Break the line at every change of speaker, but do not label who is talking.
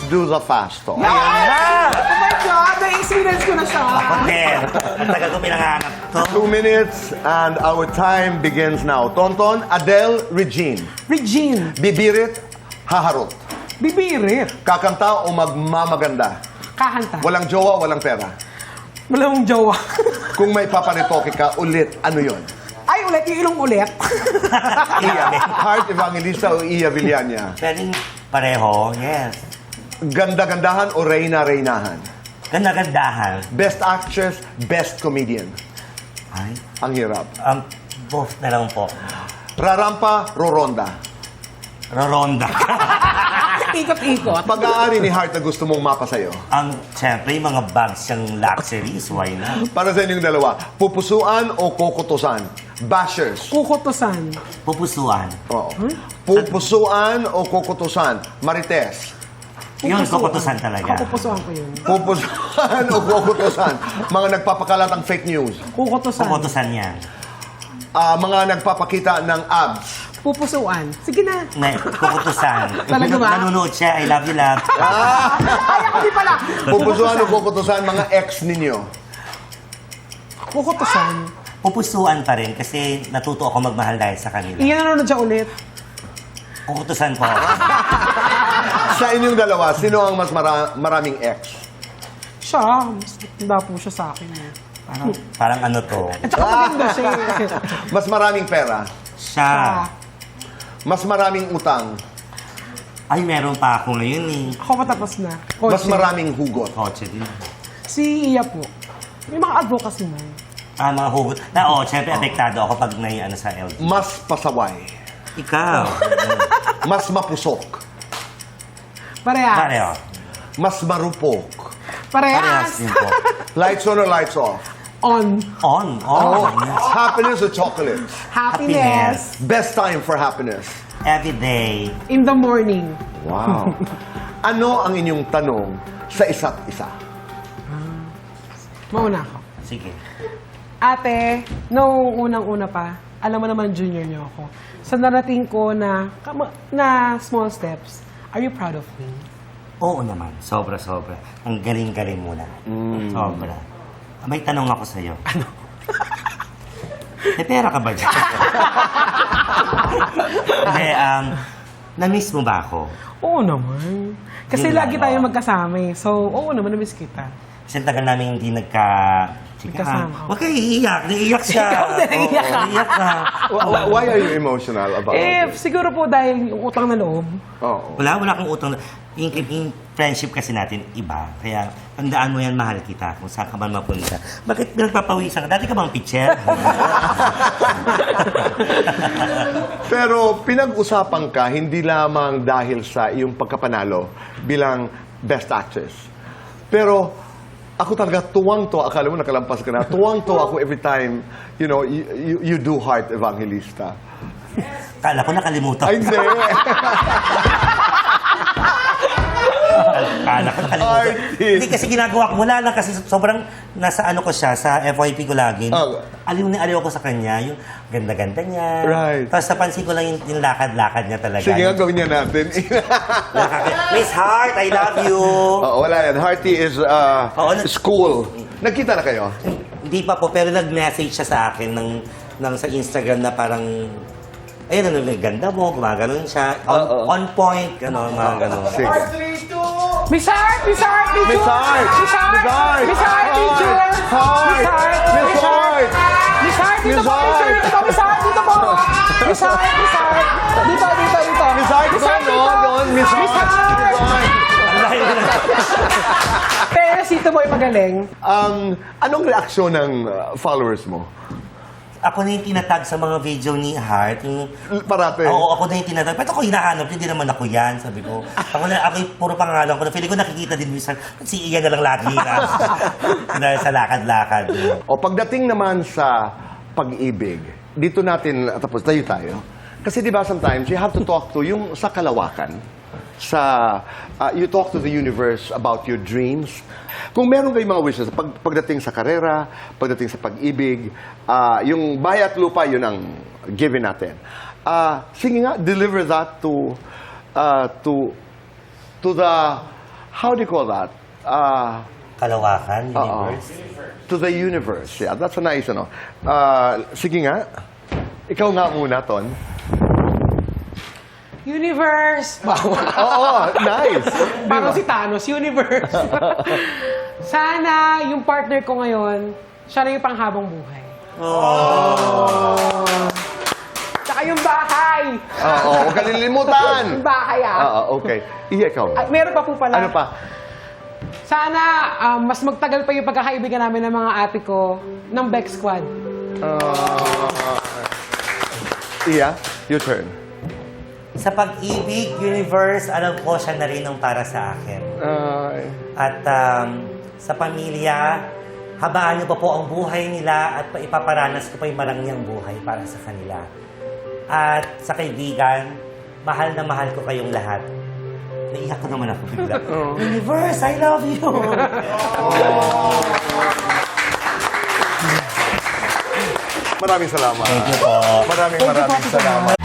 do the fast talk.
Ayan na!
Oh my God! Na-experience ko na siya.
Hotel. Ang tagal ko pinanganap to.
2 minutes and our time begins now. Tonton, Adele, Regine.
Regine,
Bibirit, haharot.
bibirit,
Kakanta o magmamaganda.
kakanta.
Walang jowa, walang pera.
Walang jowa.
Kung may papanitoke ka ulit, ano yon?
Ay, ulit, yung ilong ulit.
Iya, Heart Evangelista o Iya Villania?
Pwedeng pareho, yes.
Ganda-gandahan o reyna-reynahan?
Ganda-gandahan.
Best actress, best comedian?
Ay,
Ang hirap.
both na lang po.
Rarampa, roronda?
Roronda.
Ikot-ikot.
Pag-aari ni Heart na gusto mong mapa sa'yo?
Siyempre, yung mga bags siyang luxuries, why not?
Para sa inyong dalawa, pupusuan o kokotosan? Bashers?
Kukutusan.
Pupusuan.
Oo. Pupusuan o kokotosan? Marites?
Yun, kukutusan talaga.
Kukutusan ko yun.
Pupusuan o kokotosan? Mga nagpapakalat ng fake news?
Kukutusan.
Kukutusan yan.
Mga nagpapakita ng abs?
Pupusuan. Sige na.
Kukutusan.
Talaga ba?
Nanonood siya, I love you, love.
Ay, ako di pala.
Pupusuan o kokotosan? Mga ex ninyo?
Kukutusan.
Pupusuan pa rin kasi natuto ako magmahal dahil sa kanila.
Iyan nanonood siya ulit.
Kukutusan po.
Sa inyong dalawa, sino ang mas maraming ex?
Siya. Mas tanda po siya sa akin.
Parang ano to.
At saka maganda siya.
Mas maraming pera?
Siya.
Mas maraming utang?
Ay, meron pa ako ngayon eh.
Ako matapos na.
Mas
Kotse.
maraming hugot?
Kotse din.
Si Iya po. May mga advocacy mo.
Mga hugot. Siyempre, apektado ako pag may ano sa LG.
Mas pasaway?
Ikaw.
Mas mapusok?
Parehas.
Pareho.
Mas marupok?
Parehas
Parehas.
din po.
Lights on or lights off?
On.
On.
Happiness or chocolate?
Happiness.
Best time for happiness?
Every day.
In the morning.
Wow. Ano ang inyong tanong sa isa't isa?
Mauna ako.
Sige.
Ate, nung unang-una pa, alam mo naman junior niyo ako. Sa narating ko na small steps, are you proud of me?
Oo naman. Sobra-sobra. Ang galing-galing mo na. Sobra. May tanong ako sa'yo. Ano? May pera ka ba dyan? Hindi, na-miss mo ba ako?
Oo naman. Kasi
Yun
lagi
lang,
tayo
oo.
magkasama eh. So, oo naman, na-miss kita.
Kasi tagal namin hindi
Magkasama.
Huwag kayo iiyak. Naiiyak siya.
Ikaw na naiiyak ka.
Naiiyak ka.
Why are you emotional about it?
Siguro po dahil yung utang na loob.
Oo.
Wala akong utang. Yung friendship kasi natin, iba. Kaya, tandaan mo yan, mahal kita. Kung saan ka man mapunta. Bakit pinagpapawisan ka? Dati ka bang pitcher?
Pero pinag-usapan ka hindi lamang dahil sa iyong pagkapanalo bilang best actress. Pero ako talaga tuwang-tuwa, akala mo nakalampas ka na, tuwang-tuwa ako every time, you know, you do Heart Evangelista.
Kala ko nakalimutan.
Ay, hindi.
Kala ko nakalimutan.
Artist.
Hindi kasi ginagawa ko. Wala lang kasi sobrang nasa ano ko siya, sa FYP ko lagi.
Oh.
Aliw na aliw ako sa kanya. Yung ganda-ganda niya.
Right.
Tapos napansin ko lang yung lakad-lakad niya talaga.
Sige nga, gawin niya natin.
Miss Heart, I love you.
Oo, wala yan. Hearty is school. Nagkita na kayo?
Hindi pa po, pero nag-message siya sa akin sa Instagram na parang, ayun, ano, ganda mo, gumaganon siya. On point, ano, mga ganon.
Sige.
Miss Heart! Miss Heart!
Miss Heart!
Miss Heart!
Miss Heart!
Miss Heart! Teacher!
Heart! Miss Heart!
Miss Heart! Dito
Miss
po,
Heart!
teacher! Dito, Miss Heart! Dito po! Miss Heart! Miss Heart! Dito, dito, dito!
Miss Heart, doon, Miss
Miss
Heart!
Heart! Pero sito mo ay magaling.
Anong reaksyon ng followers mo?
Ako na yung tinatag sa mga video ni Heart. Yung,
Parate.
oo, ako na yung tinatag. Ba't ako hinahanap? Hindi naman ako yan, sabi ko. Ako yung puro pangalan ko. Feeling ko nakikita din minsan. Si Ian na lang lagi na. Dahil sa lakad-lakad.
O pagdating naman sa pag-ibig, dito natin, tapos tayo. Kasi di ba sometimes you have to talk to yung sa kalawakan. You talk to the universe about your dreams. Kung meron kayong mga wishes, pagdating sa karera, pagdating sa pag-ibig, yung bahay at lupa, yun ang given natin. Sige nga, deliver that to the how do you call that?
Kalawakan,
Oo.
universe.
To the universe. Yeah, that's a nice, ano. Sige nga. Ikaw nga muna, Ton.
Universe! Wow.
Oo, nice.
Parang si Thanos, universe. Sana yung partner ko ngayon, siya na yung panghabang buhay. Tsaka yung bahay.
Oo, huwag ka nililimutan.
Yung bahay
Okay. Iya, ikaw.
Ay, meron pa po pala.
Ano pa?
Sana mas magtagal pa yung pagkakaibigan namin ng mga ate ko ng Beck Squad.
Iya, your turn.
Sa pag-ibig, universe, alam ko siya na rin ang para sa akin. At sa pamilya, habaan niyo pa po ang buhay nila at ipaparanas ko pa yung marangyang buhay para sa kanila. At sa kaibigan, mahal na mahal ko kayong lahat. Naiyak ko naman ako bigla. Universe, I love you!
Maraming salamat.
Thank you po.
Maraming salamat.